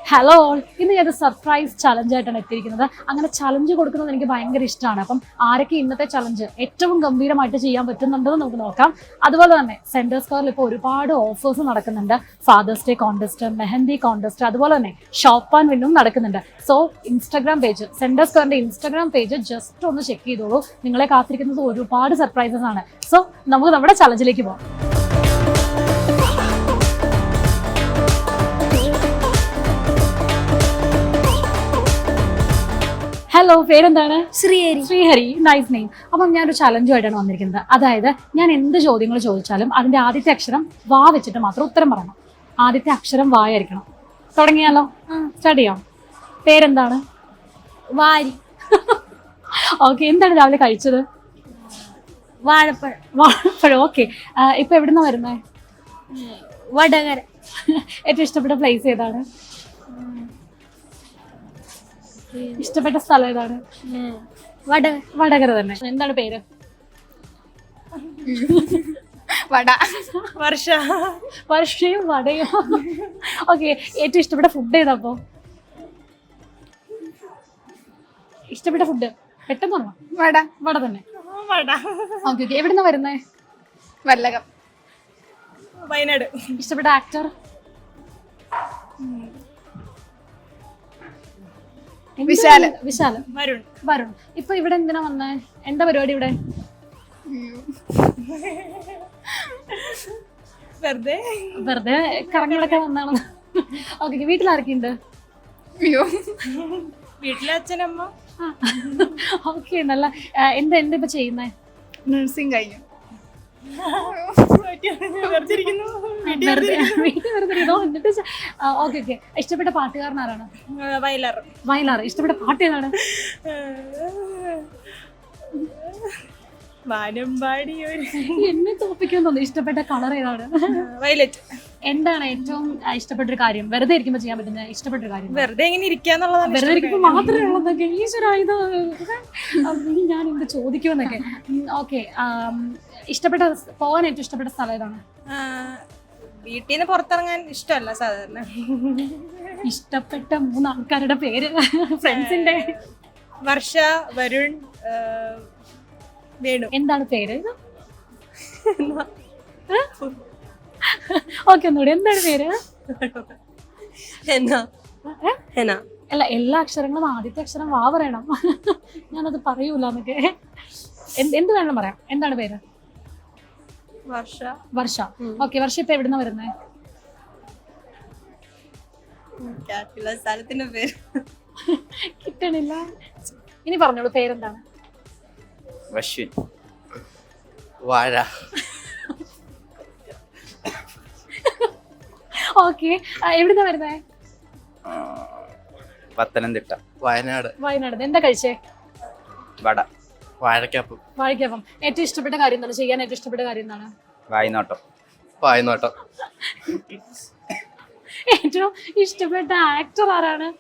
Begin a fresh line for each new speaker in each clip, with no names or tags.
Hello all, ഇന്ന് ഞാൻ surprise ചലഞ്ചായിട്ടാണ് എത്തിയിരിക്കുന്നത്. അങ്ങനെ ചലഞ്ച് കൊടുക്കുന്നത് എനിക്ക് ഭയങ്കര ഇഷ്ടമാണ്. അപ്പം ആരൊക്കെ ഇന്നത്തെ ചലഞ്ച് ഏറ്റവും ഗംഭീരമായിട്ട് ചെയ്യാൻ പറ്റുന്നുണ്ടെന്ന് നമുക്ക് നോക്കാം. അതുപോലെ തന്നെ സെൻറ്റർ സ്ക്വയറിൽ ഇപ്പോൾ ഒരുപാട് ഓഫേഴ്സ് നടക്കുന്നുണ്ട്. Father's day contest, mehndi contest, അതുപോലെ തന്നെ ഷോപ്പ് ആൻഡ് വിന്നും നടക്കുന്നുണ്ട്. സോ ഇൻസ്റ്റാഗ്രാം പേജ്, സെൻറ്റർ സ്ക്വയറിൻ്റെ ഇൻസ്റ്റാഗ്രാം പേജ് ജസ്റ്റ് ഒന്ന് ചെക്ക് ചെയ്തോളൂ. നിങ്ങളെ കാത്തിരിക്കുന്നത് ഒരുപാട് സർപ്രൈസസ് ആണ്. സോ നമുക്ക് നമ്മുടെ ചലഞ്ചിലേക്ക് പോകാം. ഹലോ, പേരെന്താണ്?
ശ്രീഹരി.
Sreehari, nice name. അപ്പം ഞാനൊരു ചലഞ്ചുമായിട്ടാണ് വന്നിരിക്കുന്നത്. അതായത് ഞാൻ എന്ത് ചോദ്യങ്ങൾ ചോദിച്ചാലും അതിന്റെ ആദ്യത്തെ അക്ഷരം വാ വെച്ചിട്ട് മാത്രം ഉത്തരം പറയണം. ആദ്യത്തെ അക്ഷരം വായായിരിക്കണം. തുടങ്ങിയാലോ? സ്റ്റാർട്ട് ചെയ്യാം. പേരെന്താണ്?
വാരി.
ഓക്കെ. എന്താണ് രാവിലെ കഴിച്ചത്?
വാഴപ്പഴം.
വാഴപ്പഴം. ഓക്കെ. ഇപ്പൊ എവിടുന്ന വരുന്നേ?
വടകര.
ഏറ്റവും ഇഷ്ടപ്പെട്ട പ്ലേസ് ഏതാണ്? ഇഷ്ടപ്പെട്ട സ്ഥലം ഏതാണ്? വടകര തന്നെ. എന്താണ് പേര്?
വട.
വർഷ. വർഷയും വടയും. ഓക്കെ. ഏറ്റവും ഇഷ്ടപ്പെട്ട ഫുഡ് ഏതാ? അപ്പോ ഇഷ്ടപ്പെട്ട ഫുഡ് പെട്ടെന്ന് പറഞ്ഞോ.
വട.
വട തന്നെ.
വട.
Okay okay. എവിടുന്ന വരുന്നേ?
വല്ലകം.
വയനാട്. ഇഷ്ടപ്പെട്ട ആക്ടർ?
വിശാല്.
വിശാല്.
വരുൺ.
വരുൺ. ഇപ്പൊ ഇവിടെ എന്തിനാ വന്നേ? എന്താ പരിപാടി ഇവിടെ?
വെറുതെ
വെറുതെ കറങ്ങിടക്കാൻ വന്നാണ്. ഓക്കെ. വീട്ടിലാരൊക്കെയുണ്ട്?
വീട്ടിലെ അച്ഛനമ്മ.
ഓക്കെ. നല്ല. എന്താ എന്താ ഇപ്പൊ ചെയ്യുന്നേ?
നഴ്സിംഗ് കഴിഞ്ഞു.
Okay okay. ഇഷ്ടപ്പെട്ട പാട്ടുകാരൻ ആരാണ്?
വയലാർ.
വയലാർ. ഇഷ്ടപ്പെട്ട പാട്ട് ഏതാണ്?
വാനമ്പാടി.
എന്നെ തോപ്പിക്കാൻ തോന്നുന്നു. ഇഷ്ടപ്പെട്ട കളർ ഏതാണ്?
വയലറ്റ്.
എന്താണ് ഏറ്റവും ഇഷ്ടപ്പെട്ട ഒരു കാര്യം? വെറുതെ ഇരിക്കുമ്പോൾ ചെയ്യാൻ പറ്റുന്ന ഇഷ്ടപ്പെട്ട ഒരു കാര്യം?
വെറുതെ ഇങ്ങനെ ഇരിക്കാന്നുള്ളതാണ്.
വെറുതെ ഇരിക്കുമ്പോൾ മാത്രമേ ഉള്ളതൊക്കെ ഈശ്വരായത് ഞാൻ എന്ത് ചോദിക്കുമെന്നൊക്കെ. ഓക്കെ. ഇഷ്ടപ്പെട്ട പോകാൻ ഏറ്റവും ഇഷ്ടപ്പെട്ട സ്ഥലം ഏതാണ്?
വീട്ടിൽ നിന്ന് പുറത്തിറങ്ങാൻ ഇഷ്ടമല്ല സാധാരണ.
ഇഷ്ടപ്പെട്ട 3 ആൾക്കാരുടെ പേര് ഫ്രണ്ട്സിന്റെ?
വർഷ, വരുൺ, വേണു.
എന്താണ് പേര്? ഓക്കെ. ഒന്നുകൂടി. എന്താണ് പേര്? അല്ല, എല്ലാ അക്ഷരങ്ങളും ആദ്യത്തെ അക്ഷരം വാ പറയണം. ഞാനത് പറയൂല എന്നൊക്കെ. എന്ത് വേണം പറയാം. എന്താണ് പേര്?
വർഷ.
വർഷ. ഓക്കെ. വർഷ ഇപ്പൊ എവിടുന്ന വരുന്നേ?
സ്ഥലത്തിന്റെ പേര്
കിട്ടണില്ല. ഇനി പറഞ്ഞോളൂ. പേരെന്താണ്?
വശ്വിൻ. വാഴ.
ഓക്കെ. എവിടുന്ന വരുന്നേ?
പത്തനംതിട്ട. വയനാട്.
വയനാട്. എന്താ കഴിച്ചേ?
വട. വാഴക്കാപ്പം.
വാഴയ്ക്കപ്പം. ഏറ്റവും ഇഷ്ടപ്പെട്ട കാര്യം എന്താണ്? ചെയ്യാൻ ഏറ്റവും ഇഷ്ടപ്പെട്ട കാര്യം എന്താണ്?
വായ്നോട്ടം. വായ്നോട്ടം.
ഏറ്റവും ഇഷ്ടപ്പെട്ട ആക്ടർ ആരാണ്?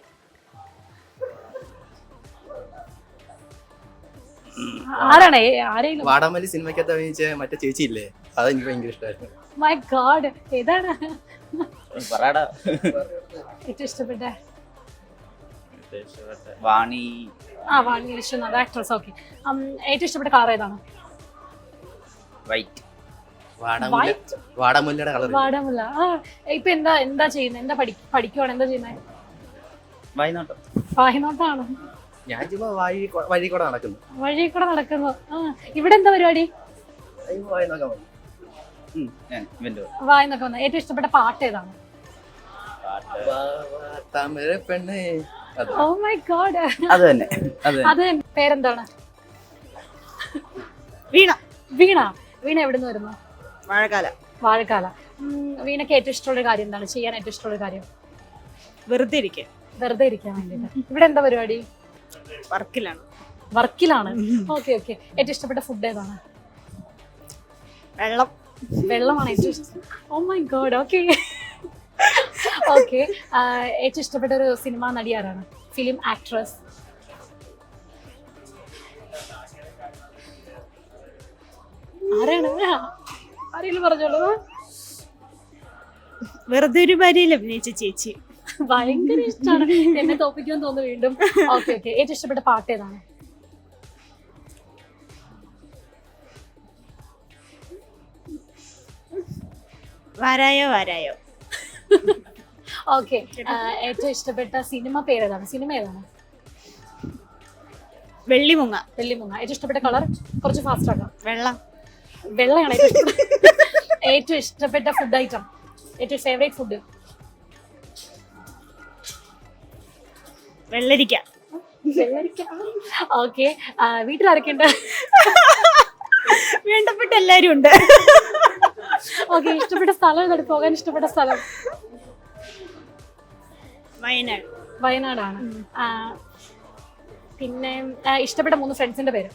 ആരാണ്? ആരെങ്കിലും?
വാടാമല്ലി സിനിമയ്ക്കകത്ത് അഭിനയിച്ച മറ്റേ ചേച്ചി ഇല്ലേ, അത് എനിക്ക് ഭയങ്കര ഇഷ്ടമായിരുന്നു.
My god. ഏതാണ് ഏറ്റവും ഇഷ്ടപ്പെട്ട?
വാണി.
വാണി വിശ്വനാഥ്. ആക്ട്രസ്. ഓക്കെ. ഏറ്റവും ഇഷ്ടപ്പെട്ട കളർ ഏതാണ്?
വൈറ്റ്. വാടാമുല്ലയുടെ കളർ.
വാടാമുല്ല. ഇപ്പൊ എന്താ ചെയ്യുന്നത്? എന്താ പഠിക്കുവാണ്? എന്താ ചെയ്യുന്നത്?
വായ്നോട്ടം.
വായ്നോട്ടാണ്.
ഞാൻ ചുമ്മാ വഴി കൂടെ നടക്കുന്നു.
വഴി കൂടെ നടക്കുന്നു. ഇവിടെ എന്താ പരിപാടി? വായിന്നൊക്കെ വന്ന. ഏറ്റവും ഇഷ്ടപ്പെട്ട പാട്ട് ഏതാണ്?
പെണ്ണ്.
Oh my god.
അത് തന്നെ.
അത് പേരെന്താണ്?
വീണ.
വീണ. വീണ എവിടുന്ന് വരുന്നു?
വാഴക്കാല.
വാഴക്കാല. വീണയ്ക്ക് ഏറ്റവും ഇഷ്ടമുള്ള കാര്യം എന്താണ്? ചെയ്യാൻ ഏറ്റവും ഇഷ്ടമുള്ള കാര്യം?
വെറുതെ ഇരിക്കാൻ.
വെറുതെ ഇരിക്കാൻ വേണ്ടിട്ട്. ഇവിടെ എന്താ പരിപാടി?
വർക്കിലാണ്.
വർക്കിലാണ്. Okay okay. ഏറ്റവും ഇഷ്ടപ്പെട്ട ഫുഡ് ഏതാണ്?
വെള്ളം.
വെള്ളമാണ് ഏറ്റവും ഇഷ്ടം. Oh my god. Okay okay. ഏറ്റവും ഇഷ്ടപ്പെട്ട ഒരു സിനിമാ നടി ആരാണ്? Film actress? ആരാണ്? ആരെങ്കിലും പറഞ്ഞോളൂ.
വെറുതെ ഒരു ഭാര്യയിൽ അഭിനയിച്ച ചേച്ചി.
ഭയങ്കര ഇഷ്ടമാണ്. എന്നെ തോപ്പിക്കുമെന്ന് തോന്നുന്നു വീണ്ടും. ഓക്കെ ഓക്കെ, ഏറ്റവും ഇഷ്ടപ്പെട്ട പാട്ട് ഏതാണ്?
വാരായോ വാരായോ.
ഓക്കെ, ഏറ്റവും ഇഷ്ടപ്പെട്ട സിനിമ പേരേതാണ്? സിനിമ ഏതാണ്?
വെള്ളിമുങ്ങ.
വെള്ളിമുങ്ങ. ഏറ്റവും ഇഷ്ടപ്പെട്ട കളർ? കുറച്ച് ഫാസ്റ്റ് ആക്കാം.
വെള്ളം.
വെള്ളയാണ് ഏറ്റവും ഇഷ്ടപ്പെട്ട. ഏറ്റവും ഇഷ്ടപ്പെട്ട ഫുഡ് ഐറ്റം, ഏറ്റവും ഫേവറേറ്റ് ഫുഡ്?
വെള്ളരിക്ക.
ഓക്കെ, വീട്ടിലാരൊക്കെ ഉണ്ട്?
വേണ്ടപ്പെട്ട എല്ലാരും ഉണ്ട്.
ഓക്കെ, ഇഷ്ടപ്പെട്ട സ്ഥലം ഏതാണ്? പോകാൻ ഇഷ്ടപ്പെട്ട സ്ഥലം?
വയനാട്.
വയനാടാണ്. പിന്നെ ഇഷ്ടപ്പെട്ട 3 ഫ്രണ്ട്സിന്റെ പേര്?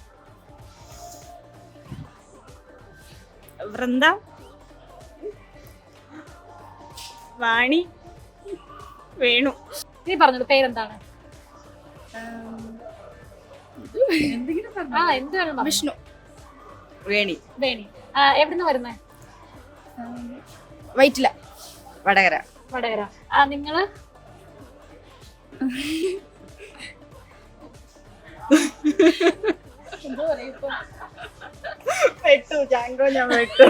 വൃന്ദ, വാണി, വേണു.
നീ പറഞ്ഞത് പേരെന്താണ്? എന്താണ്?
വിഷ്ണു. വേണി.
വേണി. എവിടുന്ന് വരുന്നേ?
വൈറ്റില. വടകര.
വടകര. നിങ്ങള്? എന്തോ പറയാ ഇപ്പൊ?
വെട്ടു ജാങ്കോ, ഞാൻ വെട്ടു.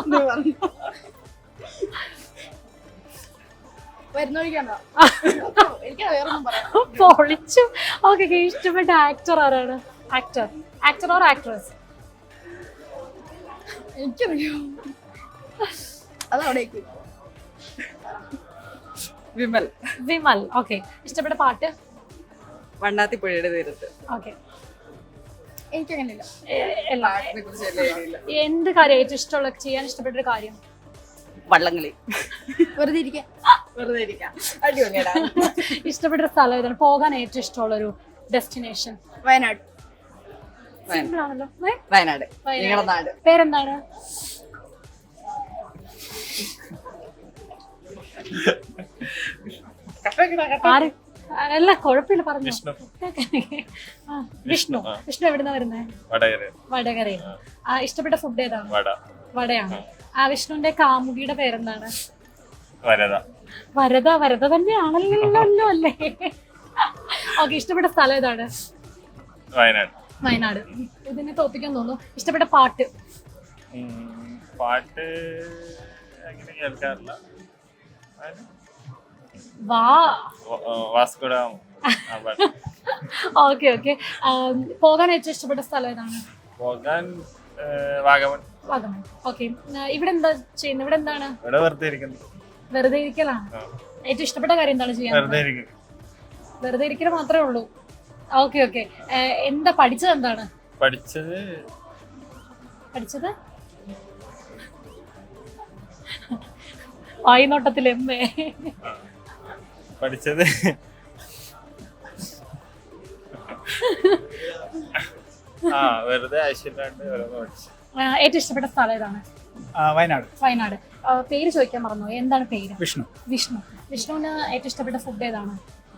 പൊളിച്ചു. ഓക്കെ, ഇഷ്ടപ്പെട്ട ആക്ടർ ആരാണ്? Actor or actress?
എനിക്കറിയാം. അതവിടേക്ക്. വിമൽ.
വിമൽ. ഓക്കെ, ഇഷ്ടപ്പെട്ട പാട്ട്?
വണ്ണാത്തിപ്പുഴയുടെ തീരത്ത്.
ഓക്കെ,
എനിക്കങ്ങനെയില്ല.
എന്ത് കാര്യം ഏറ്റവും ഇഷ്ടമുള്ള, ചെയ്യാൻ ഇഷ്ടപ്പെട്ട ഒരു കാര്യം?
വള്ളംകളി. വെറുതെ ഇരിക്കാം. വെറുതെ ഇരിക്കാം. അടിപൊളിയാടാ.
ഇഷ്ടപ്പെട്ട സ്ഥലം ഏതാണ്? പോകാൻ ഏറ്റവും ഇഷ്ടമുള്ള ഒരു ഡെസ്റ്റിനേഷൻ?
വയനാട്.
സിമ്പിൾ ആണല്ലോ.
വയനാട് നിങ്ങളുടെ നാട്.
പേരെന്താണ്? ആര്? അല്ല, കുഴപ്പമില്ല, പറഞ്ഞു. വിഷ്ണു. വിഷ്ണു എവിടുന്ന വരുന്നേ? വടകരയിൽ. ഇഷ്ടപ്പെട്ട ഫുഡ് ഏതാണ്? വടയാണ്. വിഷ്ണുവിന്റെ കാമുകിയുടെ പേരെന്താണ്? വരദ. വരദ തന്നെയാണല്ലോ അല്ലേ? ഓക്കെ, ഇഷ്ടപ്പെട്ട സ്ഥലം ഏതാണ്? വയനാട്. ഇതിനെ തോപ്പിക്കാൻ തോന്നുന്നു. ഇഷ്ടപ്പെട്ട പാട്ട്?
അങ്ങനെ കേൾക്കാറില്ല.
Okay okay. പോകാൻ ഏറ്റവും ഇഷ്ടപ്പെട്ട സ്ഥലം ഏതാണ്?
വാഗമൺ.
ഓക്കെ, ഇവിടെ എന്താ ചെയ്യുന്നത്? ഇവിടെ എന്താണ്? വെറുതെ ഇരിക്കലാണ്. ഏറ്റവും ഇഷ്ടപ്പെട്ട കാര്യം എന്താണ് ചെയ്യാൻ? വെറുതെ ഇരിക്കൽ മാത്രമേ ഉള്ളൂ. Okay okay. എന്താ പഠിച്ചത്? എന്താണ് പഠിച്ചത്? വായിനോട്ടത്തിൽ എമ്മേ
പഠിച്ചത് വെറുതെ ആവശ്യമില്ലാണ്ട് പഠിച്ചു.
ഏറ്റവും ഇഷ്ടപ്പെട്ട സ്ഥലം ഏതാണ്? വയനാട്. പേര് ചോദിക്കാൻ മറന്നു. എന്താണ് പേര്?
വിഷ്ണു.
വിഷ്ണുവിന് ഏറ്റവും ഇഷ്ടപ്പെട്ട ഫുഡ് ഏതാണ്?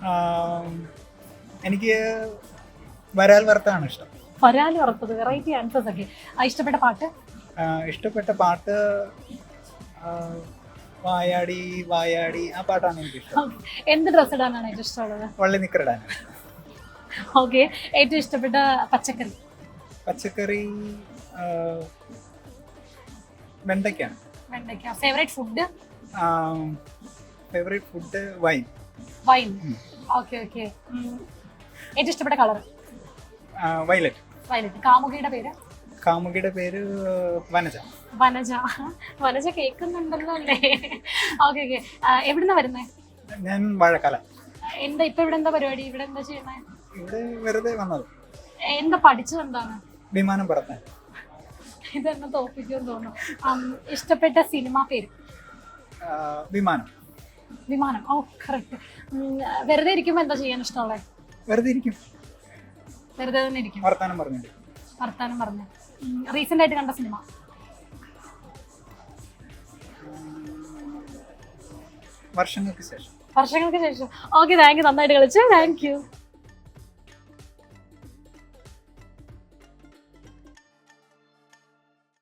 എനിക്ക് വരാൽ വറുത്താണ് ഇഷ്ടം.
വരാൽ വറുത്തത്. വെറൈറ്റി ആൻസേഴ്സ് ഒക്കെ. ഇഷ്ടപ്പെട്ട പാട്ട്?
ഇഷ്ടപ്പെട്ട പാട്ട് വായാടി വായാടി, ആ പാട്ടാണ് എനിക്ക് ഇഷ്ടം.
എന്ത് ഡ്രസ് ഇടാനാണ് ഏറ്റവും ഇഷ്ടമുള്ളത്?
വള്ളി നിക്കറിടാൻ.
ഓക്കെ, ഏറ്റവും ഇഷ്ടപ്പെട്ട പച്ചക്കറി?
വെണ്ടയ്ക്കാണ്.
Favourite food?
Wine.
Okay okay. ഏറ്റവും ഇഷ്ടപ്പെട്ട കളർ?
വയലറ്റ്. കാമുകിയുടെ പേര്
വനജ കേൾക്കുന്നുണ്ടല്ലോ അല്ലേ? Okay okay. എവിടുന്നാ വരുന്നേ?
ഞാൻ വാഴക്കാല.
ഇപ്പൊ ഇവിടെ എന്താ പരിപാടി? ഇവിടെ എന്താ ചെയ്യുന്നേ?
ഇവിടെ വെറുതെ വന്നത്.
എന്താ പഠിച്ചത്? എന്താണ്?
വിമാനം പറത്താൻ.
ഇതെന്നെ തോപ്പിക്കുമെന്ന് തോന്നുന്നു. ഇഷ്ടപ്പെട്ട സിനിമ പേര്? വിമാനം. Oh correct. വെറുതെ ഇരിക്കുമ്പോ എന്താ ചെയ്യാൻ ഇഷ്ടമുള്ളത്?
വെറുതെ
തന്നെ ഇരിക്കും.
വർത്താനം
പറഞ്ഞു. റീസെന്റ് ആയിട്ട് കണ്ട സിനിമ?
വർഷങ്ങൾക്ക് ശേഷം.
Okay, thank you. നന്നായിട്ട് കളിച്ചു. Thank U.